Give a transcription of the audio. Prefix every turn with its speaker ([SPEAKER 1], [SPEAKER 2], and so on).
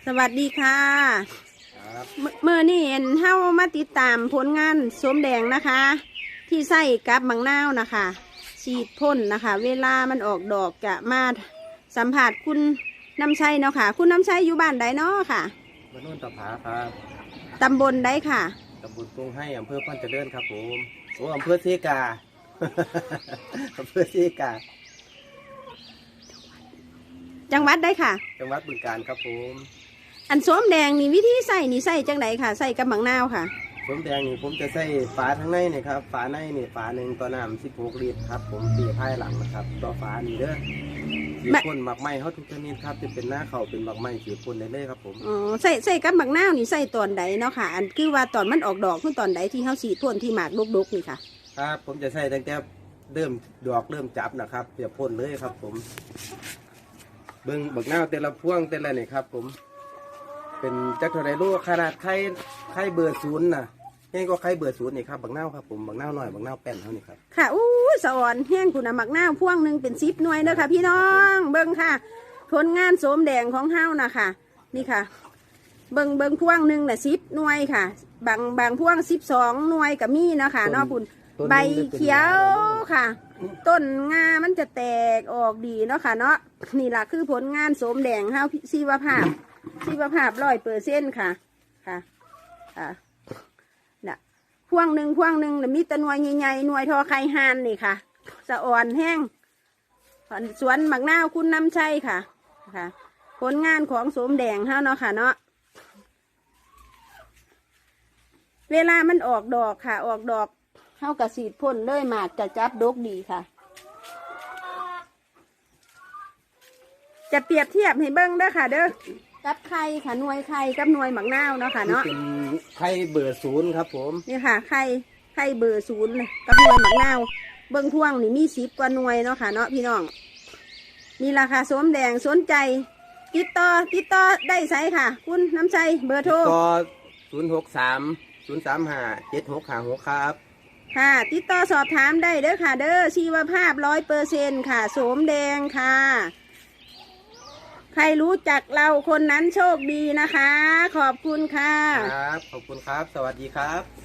[SPEAKER 1] สวัสดีค่ะ
[SPEAKER 2] ครับ
[SPEAKER 1] เมื่อนี่เฮามาติดตามผลงานสมแดงนะคะ ที่ใส่กับมังนาวนะคะฉีดพ่นนะคะ เวลามันออกดอกจะมาสัมผัสคุณน้ำชัยเนาะค่ะ คุณน้ำชัยอยู่บ้านใดเนาะค่ะ
[SPEAKER 2] บ้านโน่นตะผาครับ
[SPEAKER 1] ตำบลใดค่ะ
[SPEAKER 2] ตำบลกรุงให้อำเภอพันเจริญครับผมโอ้อำเภอเซกา อำเภอเซกา
[SPEAKER 1] จังหวัดใดค่ะ
[SPEAKER 2] จังหวัดบึงกาฬครับผม
[SPEAKER 1] อันสมแดงนี่วิธีใส่นี่ใส่จังไดค่ะ ใส่กับมังนาวค่ะ
[SPEAKER 2] สมแดงนี่ผมจะใส่ฝาทั้งในนี่ครับฝาในนี่ฝาหนึ่งต่อน้ำ16 ลิตรครับผมตีไพ่หลังนะครับต่อฝานี่เด้อสีพ่นหมักไหม้เขาทุกชนิดครับจะเป็นหน้าเขาเป็นหมักไหม้สีพ่นได้เลยครับผม
[SPEAKER 1] อ๋อใส่กับมังนาวนี่ใส่ตอนใดเนาะค่ะ อันคือว่าตอนมันออกดอกคือตอนใดที่เฮาฉีดพ่นที่หมากดกๆนี่ค่ะ
[SPEAKER 2] ครับผมจะใส่ตั้งแต่เริ่มดอกเริ่มจับนะครับจะพ่นเลยครับผมเบิ้งบักหน้าวแต่ละพวงแต่ละนี่ครับผมเป็นจักรเท่าไรลูกขนาดไข่เบอร์ศูนย์นะนี่ก็ไข่เบอร์ศูนย์นี่ครับบักหน้าวครับผมบักหน้าวหน่อยบักหน้าวแป้นเท่านี้ครับ
[SPEAKER 1] ค่ะอู้สะอ่อนแห้งคุณมักนาวพ่วงหนึ่งเป็น10 หน่วยเด้อค่ะพี่น้อง เบิ่งค่ะผลงานโสมแดงของเฮานะคะนี่ค่ะ เบิ่งพ่วงหนึ่งน่ะ10 หน่วยค่ะ บางพ่วง12 หน่วยกับมีเนาะค่ะเนาะคุณใบเขียวค่ะ ต้นงามันจะแตกออกดีเนาะค่ะเนาะนี่ล่ะคือผลงานโสมแดงเฮาชีวภาพ100%ค่ะค่ะค่ะน่ะพ่วงหนึ่งน่ะมีแต่หน่วยใหญ่ๆหน่วยทอไข่ห่านนี่ค่ะสะอ่อนแห้งสวนหมักนาวคุณน้ำชัยค่ะค่ะ ผลงานของโสมแดงเฮาเนาะค่ะเนาะเวลามันออกดอกค่ะ ออกดอกเฮากระสีดพ่นเลยหมากจะจับดกดีค่ะ จะเปรียบเทียบให้เบิ้งเด้อค่ะเด้อกับไข่ค่ะหน่วยไข่กับหน่วยหมักนาวเนาะค่ะเนาะ
[SPEAKER 2] เป็นไข่เบอร์ศูนย์ครับผม
[SPEAKER 1] นี่ค่ะไข่เบอร์0เลยกับหน่วยหมักนาวเบิ้งพ่วงนี่มี10 กว่าหน่วยเนาะค่ะเนาะพี่น้องนี่ราคาโสมแดงสนใจติดต่อได้ไสค่ะ คุณน้ำใจเบอร์โทร
[SPEAKER 2] ก็063 035 7656ครับ
[SPEAKER 1] ค่ะติดต่อสอบถามได้เด้อค่ะ เด้อชีวภาพ100%ค่ะโสมแดงค่ะ ใครรู้จักเราคนนั้นโชคดีนะคะ ขอบคุณค่ะ
[SPEAKER 2] ครับขอบคุณครับสวัสดีครับ